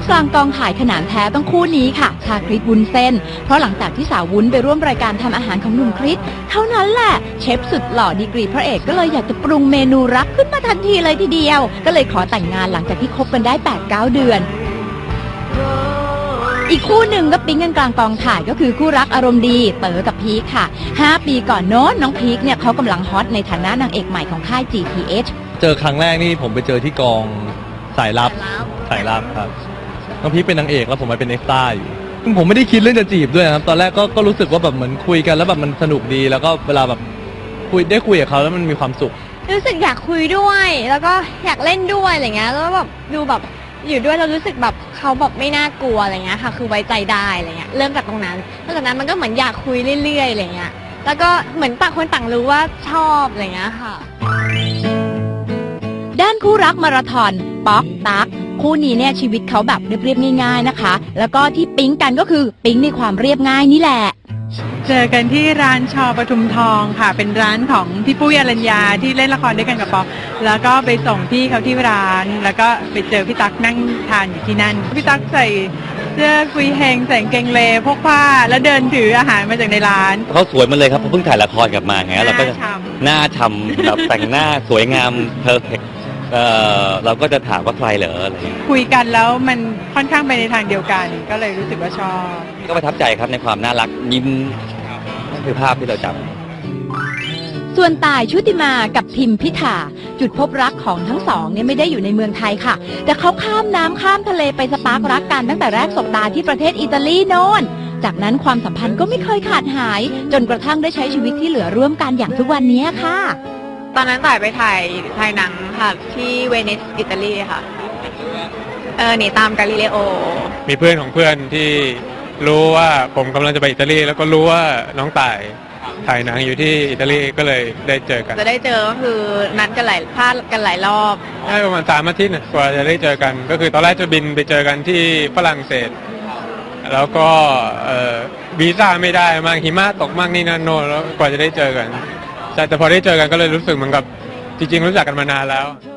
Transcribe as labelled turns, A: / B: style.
A: กลางกองถ่ายขนานแท้ต้องคู่นี้ค่ะชาคริสวุ้นเส้นเพราะหลังจากที่สาววุ้นไปร่วมรายการทำอาหารของหนุ่มคริสเท่านั้นแหละเชฟสุดหล่อดีกรีพระเอกก็เลยอยากจะปรุงเมนูรักขึ้นมาทันทีเลยทีเดียวก็เลยขอแต่งงานหลังจากที่คบกันได้ 8-9 เดือนอีกคู่หนึ่งก็ปิ๊งกันกลางกองถ่ายก็คือคู่รักอารมณ์ดีเต๋อกับพีคค่ะ5 ปีก่อนโน้นน้องพีคเนี่ยเขากำลังฮอตในฐานะนางเอกใหม่ของค่าย GTH
B: เจอครั้งแรกนี่ผมไปเจอที่กองสายลับครับน้องพีคเป็นนางเอกแล้วผมมาเป็นเอ็กซ์ตร้าอยู่ผมไม่ได้คิดเรื่องจะจีบด้วยครับตอนแรกก็รู้สึกว่าแบบเหมือนคุยกันแล้วแบบมันสนุกดีแล้วก็เวลาแบบได้คุยกับเขาแล้วมันมีความสุข
C: รู้สึกอยากคุยด้วยแล้วก็อยากเล่นด้วยอะไรเงี้ยแล้วแบบดูแบบอยู่ด้วยเรารู้สึกแบบเขาแบบไม่น่ากลัวอะไรเงี้ยค่ะคือไว้ใจได้อะไรเงี้ยเริ่มจากตรงนั้นแล้วจากนั้นมันก็เหมือนอยากคุยเรื่อยๆอะไรเงี้ยแล้วก็เหมือนต่างคนต่างรู้ว่าชอบอะไรเงี้ยค่ะ
A: ด้านคู่รักมาราธอนป๊อกตั๊กคู่นี้เนี่ยชีวิตเขาแบบเรียบๆง่ายๆนะคะแล้วก็ที่ปิ๊งกันก็คือปิ๊งในความเรียบง่ายนี่แหละ
D: เจอกันที่ร้านชอปทุมทองค่ะเป็นร้านของพี่ปุ้ยอรัญญาที่เล่นละครด้วยกันกับป๊อกแล้วก็ไปส่งพี่เขาที่ร้านแล้วก็ไปเจอพี่ตั๊กนั่งทานอยู่ที่นั่นพี่ตั๊กใส่เสื้อกุยเฮงใส่กางเกงเลพกผ้าแล้วเดินถืออาหารมาจากในร้าน
E: เขาสวยมาเลยครับเพราะเพิ่งถ่ายละครกลับมาไงเราก็หน้าฉ่ำแบบแต่งหน้าสวยงามเพอร์เฟกต์เราก็จะถามว่าใครเหรออะไร
D: คุยกันแล้วมันค่อนข้างไปในทางเดียวกันก็เลยรู้สึกว่าชอบ
E: ก็ประทับใจครับในความน่ารักยิ้มนั่นคือภาพที่เราจำ
A: ส่วนต่ายชุติมากับพิมพิธาจุดพบรักของทั้งสองเนี่ยไม่ได้อยู่ในเมืองไทยค่ะแต่เขาข้ามน้ำข้ามทะเลไปสปาร์กรักกันตั้งแต่แรกสบตาที่ประเทศอิตาลีโน่นจากนั้นความสัมพันธ์ก็ไม่เคยขาดหายจนกระทั่งได้ใช้ชีวิตที่เหลือร่วมกันอย่างทุกวันนี้ค่ะ
C: ตอนนั้นต่ายไปถ่ายหนังค่ะที่เวนิสอิตาลีค่ะหนีตามกาลิเลโอ
F: มีเพื่อนของเพื่อนที่รู้ว่าผมกำลังจะไปอิตาลีแล้วก็รู้ว่าน้องต่ายถ่ายหนังอยู่ที่อิตาลีก็เลยได้เจอกัน
C: จะได้เจอก็คือนัดกันพลาดกันหลายรอบ
F: ได้ประมาณ3 อาทิตย์กว่าจะได้เจอกันก็คือตอนแรกจะบินไปเจอกันที่ฝรั่งเศสแล้วก็วีซ่าไม่ได้มากหิมะตกมากนี่นั่นโน่นแล้วกว่าจะได้เจอกันแต่พอได้เจอกันก็เลยรู้สึกเหมือนกับจริงๆรู้จักกันมานานแล้ว